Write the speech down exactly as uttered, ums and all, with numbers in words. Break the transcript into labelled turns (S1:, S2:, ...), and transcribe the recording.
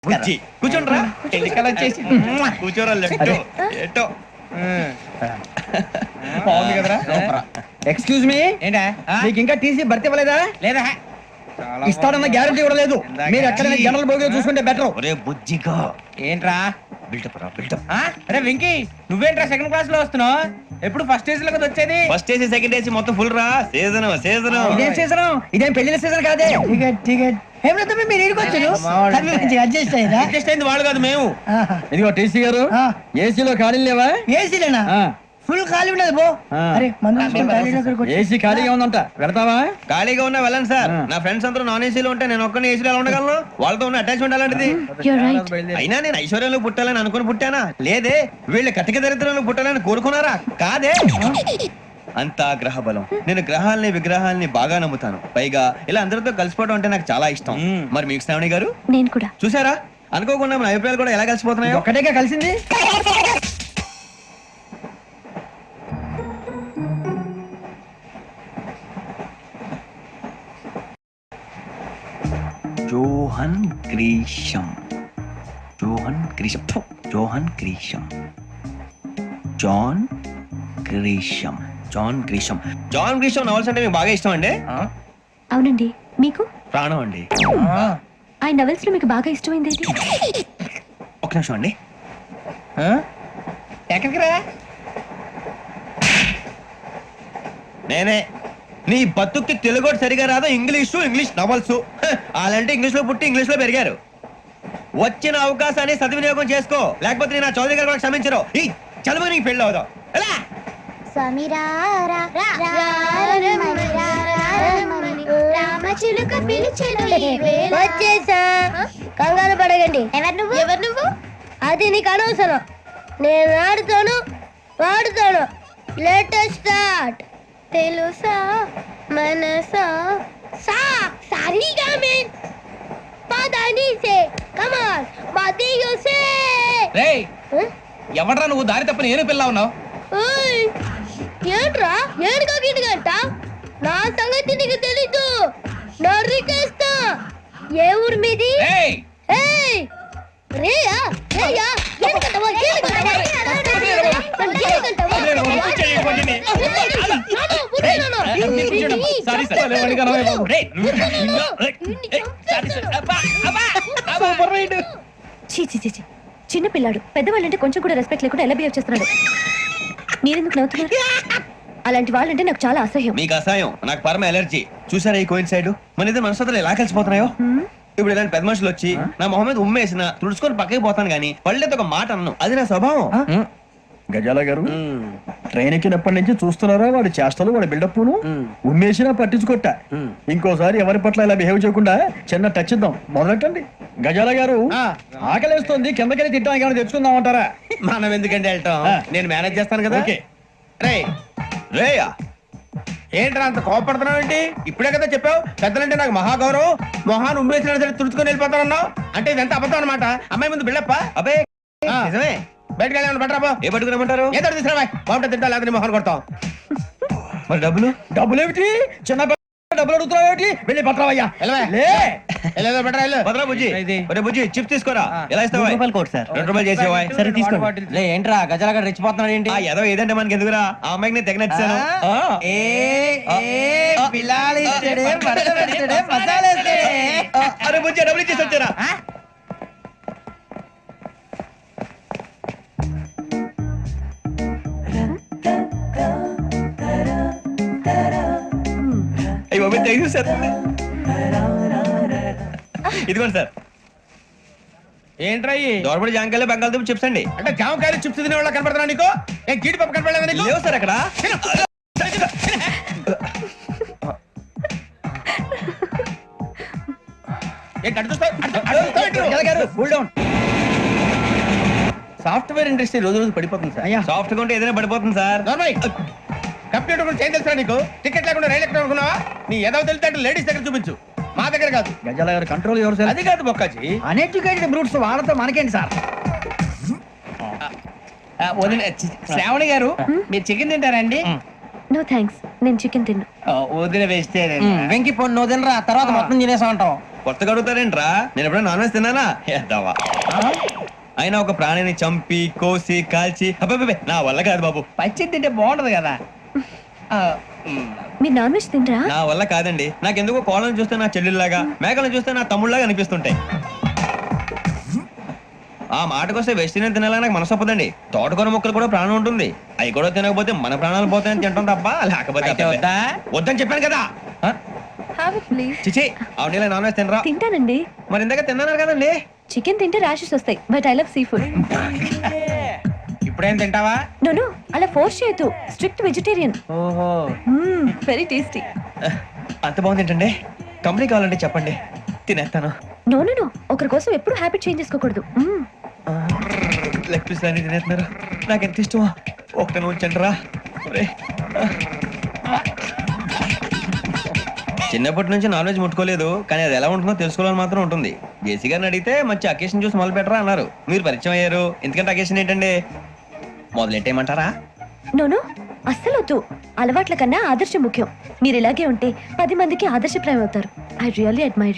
S1: బుజ్జి కూర్చోండి రా ఎన్నికలు వచ్చేసి కూర్చోరా లెఫ్ట్ ఎటో
S2: బాగుంది కదరా.
S3: ఎక్స్క్యూజ్ మీ,
S2: ఏంటా
S3: మీకు ఇంకా టీసీ భర్తీ ఇవ్వలేదా?
S2: లేదా
S3: ఇస్తాడన్న గ్యారంటీ కూడా లేదు. మీరు ఎక్కడైనా జనరల్ బోగిలో చూసుకుంటే బెటర్.
S1: ఒరే బుజ్జిగా
S2: ఏంట్రా
S1: బిల్డప్ రా బిల్డప్.
S2: అరే వెంకీ, నువ్వేంట్రా సెకండ్ క్లాస్ లో వస్తున్నావు? ఎప్పుడు ఫస్ట్ ఏజ్ లో కదా వచ్చేది.
S1: ఫస్ట్ ఏసీ సెకండ్ ఏసీ మొత్తం ఫుల్ రా. సీజన్ సీజన్
S3: ఇదేం సీజన్? ఇదేం పెళ్లిన సీజన్ కాదే.
S4: టికెట్ టికెట్ ఏమిటో మీరు ఇరుకొచ్చారు అడ్జస్ట్ అయ్యారా?
S2: అడ్జస్ట్ అయింది వాళ్ళు కాదు మేము.
S3: ఇదిగో టీసీ గారు, ఏసీలో ఖాళీ లేవా?
S4: ఏసీలేనా? ఫుల్ ఖాళీ ఉండదు బో.
S3: ఆ.
S4: అరే మందు
S3: ఏసీ ఖాళీగా ఉందంట, పెడతావా?
S1: ఖాళీగా ఉన్నా వెళ్ళండి సార్. నా ఫ్రెండ్స్ అందరూ నాన్ ఏసీలో ఉంటే నేను ఒక్కనే ఏసీలో ఎలా ఉండగలను? వాళ్ళతో ఉన్న అటాచ్మెంట్ అలాంటిది. అయినా నేను ఐశ్వర్యంలో పుట్టాలని అనుకుని పుట్టానా? లేదే. వీళ్ళు కటిక దరిద్రంలో పుట్టాలని కోరుకున్నారా? కాదే. అంతా గ్రహ బలం. నేను గ్రహాలని విగ్రహాలని బాగా నమ్ముతాను. పైగా ఇలా అందరితో కలిసిపోవడం అంటే నాకు చాలా ఇష్టం. మరి మీకు శ్రావణి గారు?
S5: నేను కూడా.
S1: చూసారా, అనుకోకుండా మన అభిప్రాయాలు కూడా ఎలా కలిసిపోతున్నాయో.
S3: ఒక్కటేగా కలిసింది.
S1: జోహన్ గ్రీషం జోహన్ గ్రీషం ఫు, John Grisham John Grisham John Grisham John Grisham novels అంటే మీకు బాగా ఇష్టం అండి?
S5: అవునండి. మీకు?
S1: ప్రాణం అండి.
S5: ఆయన నవెల్స్ లో మీకు బాగా ఇష్టమైంది ఏది?
S1: ఒక నిమిషం అండి.
S2: ఎక్కడికి రా.
S1: నేనే. నీ బతుక్కి తెలుగు సరిగా రాదు, ఇంగ్లీషు ఇంగ్లీష్ నవల్స్. అలాంటి ఇంగ్లీష్ లో పుట్టి ఇంగ్లీష్ లో పెరిగారు. వచ్చిన అవకాశాన్ని సద్వినియోగం చేసుకో, లేకపోతే నేను నా చౌదరి గారు కూడా క్షమించరు. ఈ చదువు నీకు పెళ్ళి అవుదాం. ఎలా
S6: వచ్చేసా, కంగారు పడగండి. ఎవరు నువ్వు? ఎవరు నువ్వు? అది నీకు అనవసరం. నేను ఆడుతాను వాడుతాను. Latest start. తెలుసా మనసా సా సారీగా మెన్ పదని సే కమాన్ బదియో సే.
S2: రేయ్, ఎవడ్రా నువ్వు? దారి తప్ప నేను పిల్ల ఉన్నావు.
S6: ఓయ్ ఏంట్రా ఏడుగా గిడుగంట? నా సంగతి నీకు తెలీదు. నరికేస్తా. ఏ ఊరు మీది?
S2: రేయ్
S6: ఏయ్ రేయా రేయా ఏడుగంటవా ఏడుగంటవా
S2: సారీ సార్. రేయ్ సూపర్ రైడ్.
S5: చీ చీ చీ చీ. చిన్న పిల్లాడు. పెద్దవాళ్ళంటే కొంచెం కూడా రెస్పెక్ట్ లేకుండా ఎలా బిహేవ్ చేస్తున్నాడు. మీరెందుకు నవ్వుతున్నారు? అలాంటి వాళ్ళంటే నాకు చాలా అసహ్యం.
S1: మీకు అసహాయం, నాకు పరమ ఎలర్జీ. చూసారా ఈ కోయిన్ సైడ్? మన ఇద్దరు మనసులో ఎలా కలిసిపోతున్నాయో. ఇప్పుడు ఇలాంటి పెద్ద మనుషులు వచ్చి నా మొహం మీద ఉమ్మేసిన తుడుచుకొని పక్కకి పోతాను కానీ పళ్ళేతో ఒక మాట అన్నాను. అది నా స్వభావం.
S3: గజాల గారు, ట్రైన్ ఎక్కినప్పటి నుంచి చూస్తున్నారా వాడి చేష్టలు, వాడి బిల్డప్. ఉమ్మేసినా పట్టించుకోట. ఇంకోసారి ఎవరి పట్ల ఇలా బిహేవ్ చేయకుండా చిన్న టచ్ ఇద్దాం. మొదలెట్టండి. గజాల గారు, ఆకలేస్తోంది, కిందకెళ్ళి తిట్టడానికి ఏమైనా తెచ్చుకుందాం అంటారా?
S1: మనం ఎందుకంటే వెళ్తాం, నేను మేనేజ్ చేస్తాను కదా.
S3: ఓకే.
S2: రేయ్
S1: రేయా
S2: ఏంట్రా అంత కోపడుతున్నావు ఏంటి? ఇప్పుడే కదా చెప్పావు పెద్దలంటే నాకు మహాగౌరవం. మొహాన్ని ఉమ్మేసిన సరే తుడుచుకొని వెళ్ళిపోతానన్నావు. అంటే ఇదంతా అబద్ధం అనమాట. అమ్మాయి ముందు బిళ్ళప్ప.
S1: అబే నిజమే.
S2: బయటకు వెళ్ళి బట్రాబో.
S1: ఏ పట్టుకురమ్మంటారు?
S2: ఏదో తీసుకురా. బాగుంటుంది తింటా, లేదా మొహాన్ని కొడతాం.
S1: మరి డబ్బులు?
S3: డబ్బులు ఏమిటి? చిన్న డబ్బులు అడుగుతున్నావు ఏమిటి? వెళ్ళి పట్టరావయ్యా.
S2: వెళ్ళేదో బట్రా వెళ్ళు.
S1: భద్రా బుజ్జి, ఒరే బుజ్జి చిప్స్ తీసుకోరా. ఎలా ఇస్తావా?
S3: రూపాయలు కోట్ సార్.
S1: రెండు రూపాయలు చేసేవా?
S3: సరే తీసుకోండి. లే ఏంట్రా గజాల గారు రెచ్చిపోతున్నాడు ఏంటి?
S1: ఆ ఏదో ఏదంటే మనకి ఎందుకురా? ఆ అమ్మాయికి నేను తెగ నచ్చాను. అరే బుజ్జి డబ్బులు ఇచ్చేసి వచ్చారా? అయ్యి బాబు థ్యాంక్ యూ సార్. ఇదిగోండి సార్.
S2: ఏంట్రా
S1: దోరబడి జాంకాయలు బంగాళదుంప చిప్స్ అండి.
S2: అంటే జామకాయలు చిప్స్ తినే వాళ్ళ కనపడుతున్నా నీకు? ఏ గీడి పప్పు కనపడలేదా నీకు?
S1: లేవు సార్ అక్కడ.
S2: సాఫ్ట్వేర్ ఇండస్ట్రీ రోజు రోజు పడిపోతుంది సార్.
S1: సాఫ్ట్ గా ఉంటే ఏదైనా పడిపోతుంది సార్.
S2: కంప్యూటర్ గురించి ఏం తెలుసా నీకు? టికెట్ లేకుండా రైలు ఎక్కడ అనుకున్నావా? నీ ఏదో తెలితే అంటే లేడీస్ దగ్గర చూపించు, మా దగ్గర కాదు.
S3: గజాల గారు కంట్రోల్ ఎవరు సార్?
S2: అది కాదు బొక్కాజీ.
S3: అన్ఎడ్యుకేటెడ్ బ్రూట్స్ వాళ్ళతో మనకేంటి సార్?
S2: శ్రావణి గారు, మీరు చికెన్ తింటారండి?
S5: నో థ్యాంక్స్, నేను చికెన్ తిన్నా.
S2: వదిన వేస్తే
S3: వెంకి పొన్ను తినరా, తర్వాత మొత్తం తినేసా ఉంటాం.
S1: కొత్తగా అడుగుతారేంట్రా నేను ఎప్పుడైనా నాన్ వెజ్ తిన్నానా ఎద్దావా అయినా ఒక ప్రాణిని చంపి కోసి కాల్చి అబ్బబ్బబ్బే, నా వల్ల కాదు బాబు.
S4: పచ్చి తింటే బాగుంటది కదా ఆ,
S5: మీరు నాన్ వెజ్ తినరా?
S1: నా వల్ల కాదండి. నాకెందుకో కోళ్ళని చూస్తే నా చెల్లెల్లాగా, మేకలను చూస్తే నా తమ్ముళ్ళలాగా అనిపిస్తుంటాయి. ఆ మాటకొస్తే వెస్టిరియన్ తినాలని నాకు మనసు ఒప్పదండి. తోటకూర మొక్కలు కూడా ప్రాణం ఉంటుంది. అవి కూడా తినకపోతే మన ప్రాణాలు పోతాయని తింటాం తప్ప లేకపోతే
S2: అయితే
S1: అబ్బబ్బే.
S2: వద్దా?
S1: వద్దని చెప్పాను కదా.
S5: Have it, please.
S1: చిచి అవునీ నాన్ వెజ్ తినరా?
S5: తింటానండి.
S1: మరి ఇందాక తిన్నాను కదండి.
S5: చికెన్ తింటే ర్యాషెస్ వస్తాయి but I love sea food.
S2: ఇప్పుడేం తింటావా?
S5: నో నో అలా ఫోర్స్ చేయొద్దు. Strict vegetarian.
S2: ఓహో
S5: వెరీ టేస్టీ.
S1: అంత బాగుంది ఏంటండి? కంపెనీ కావాలంటే చెప్పండి, తినేస్తాను.
S5: నో నో నో ఒకరి కోసం ఎప్పుడు హ్యాబిట్ చేంజ్ చేసుకోకూడదు. మ్మ్.
S1: లెగ్ పీస్ అన్ని తినేస్తున్నారు. నాకు ఎంత ఇష్టమో ఒకటే ఉంచండి రా. చిన్నప్పటి నుంచి నాన్ వెజ్ ముట్టుకోలేదు, కానీ అది ఎలా ఉంటుందో తెలుసుకోవాలని మాత్రం ఉంటుంది. జేసీ గారిని అడిగితే మంచి అకేషన్ చూసి మొదలు పెట్టరా అన్నారు. మీరు పరిచయం అయ్యారు, ఎందుకంటే అకేషన్ ఏంటండి? మొదలెట్టేయమంటారా?
S5: నో నో అస్సలు వద్దు. అలవాట్ల కన్నా ఆదర్శం ముఖ్యం. మీరు ఇలాగే ఉంటే పది మందికి ఆదర్శప్రాయం అవుతారు. I really admire.